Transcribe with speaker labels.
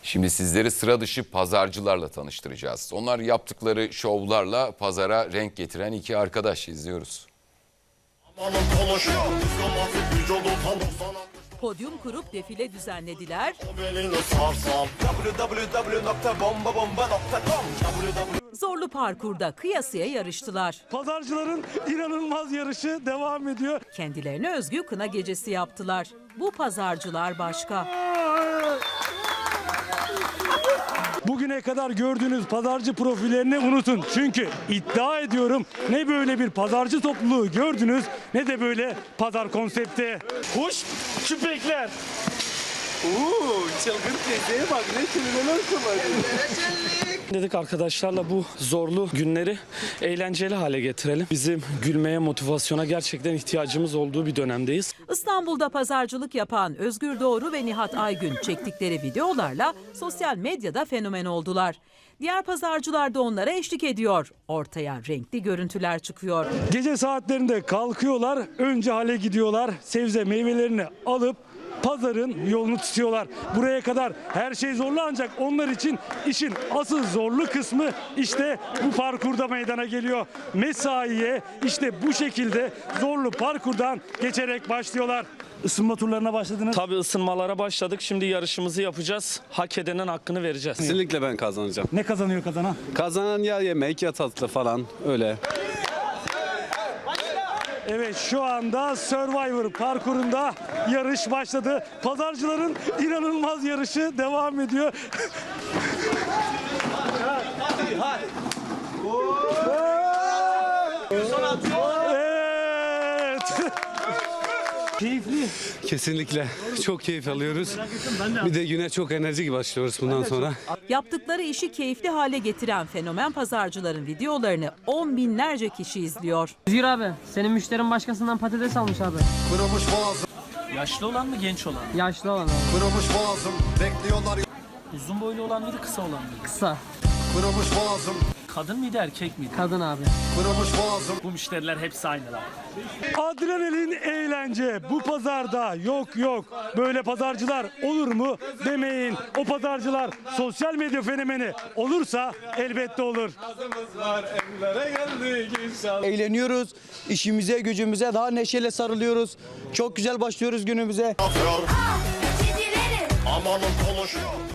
Speaker 1: Şimdi sizleri sıra dışı pazarcılarla tanıştıracağız. Onlar yaptıkları şovlarla pazara renk getiren iki arkadaş. İzliyoruz.
Speaker 2: Podyum kurup defile düzenlediler. Zorlu parkurda kıyasıya yarıştılar.
Speaker 3: Pazarcıların inanılmaz yarışı devam ediyor.
Speaker 2: Kendilerine özgü kına gecesi yaptılar. Bu pazarcılar başka.
Speaker 3: Bugüne kadar gördüğünüz pazarcı profillerini unutun. Çünkü iddia ediyorum ne böyle bir pazarcı topluluğu gördünüz ne de böyle pazar konsepti. Kuş küpekler.
Speaker 4: Çılgın teyzeye bak, ne kelimeler kullanıyor.
Speaker 5: Dedik arkadaşlarla bu zorlu günleri eğlenceli hale getirelim. Bizim gülmeye, motivasyona gerçekten ihtiyacımız olduğu bir dönemdeyiz.
Speaker 2: İstanbul'da pazarcılık yapan Özgür Doğru ve Nihat Aygün çektikleri videolarla sosyal medyada fenomen oldular. Diğer pazarcılar da onlara eşlik ediyor. Ortaya renkli görüntüler çıkıyor.
Speaker 3: Gece saatlerinde kalkıyorlar, önce hale gidiyorlar, sebze meyvelerini alıp pazarın yolunu tutuyorlar. Buraya kadar her şey zorlu ancak onlar için işin asıl zorlu kısmı işte bu parkurda meydana geliyor. Mesaiye işte bu şekilde zorlu parkurdan geçerek başlıyorlar. Isınma turlarına başladınız.
Speaker 5: Tabii ısınmalara başladık. Şimdi yarışımızı yapacağız. Hak edenin hakkını vereceğiz.
Speaker 4: Kesinlikle ben kazanacağım.
Speaker 3: Ne kazanıyor kazanan?
Speaker 4: Kazanan ya yemek ya tatlı falan öyle.
Speaker 3: Evet, şu anda Survivor parkurunda yarış başladı. Pazarcıların inanılmaz yarışı devam ediyor. Evet. Keyifli.
Speaker 4: Kesinlikle çok keyif alıyoruz. Bir de güne çok enerjik başlıyoruz bundan sonra.
Speaker 2: Yaptıkları işi keyifli hale getiren fenomen pazarcıların videolarını on binlerce kişi izliyor.
Speaker 6: Özgür abi, senin müşterin başkasından patates almış abi.
Speaker 7: Kırılmış boğazım,
Speaker 6: Yaşlı olan mı, genç olan? Yaşlı olan abi.
Speaker 7: kırılmış boğazım, bekliyorlar.
Speaker 6: Uzun boylu olan mıydı, kısa olan mıydı? Kısa.
Speaker 7: Kırılmış boğazım,
Speaker 6: Kadın mıydı, erkek miydi?
Speaker 2: Kadın abi.
Speaker 7: kırılmış boğazım.
Speaker 6: Bu müşteriler hepsi aynı abi.
Speaker 3: Adrenalin eğlence bu pazarda yok. Böyle pazarcılar olur mu demeyin. O pazarcılar sosyal medya fenomeni olursa elbette olur.
Speaker 8: Eğleniyoruz, işimize gücümüze daha neşeyle sarılıyoruz. Çok güzel başlıyoruz günümüze.
Speaker 7: Amanın konuşuyor.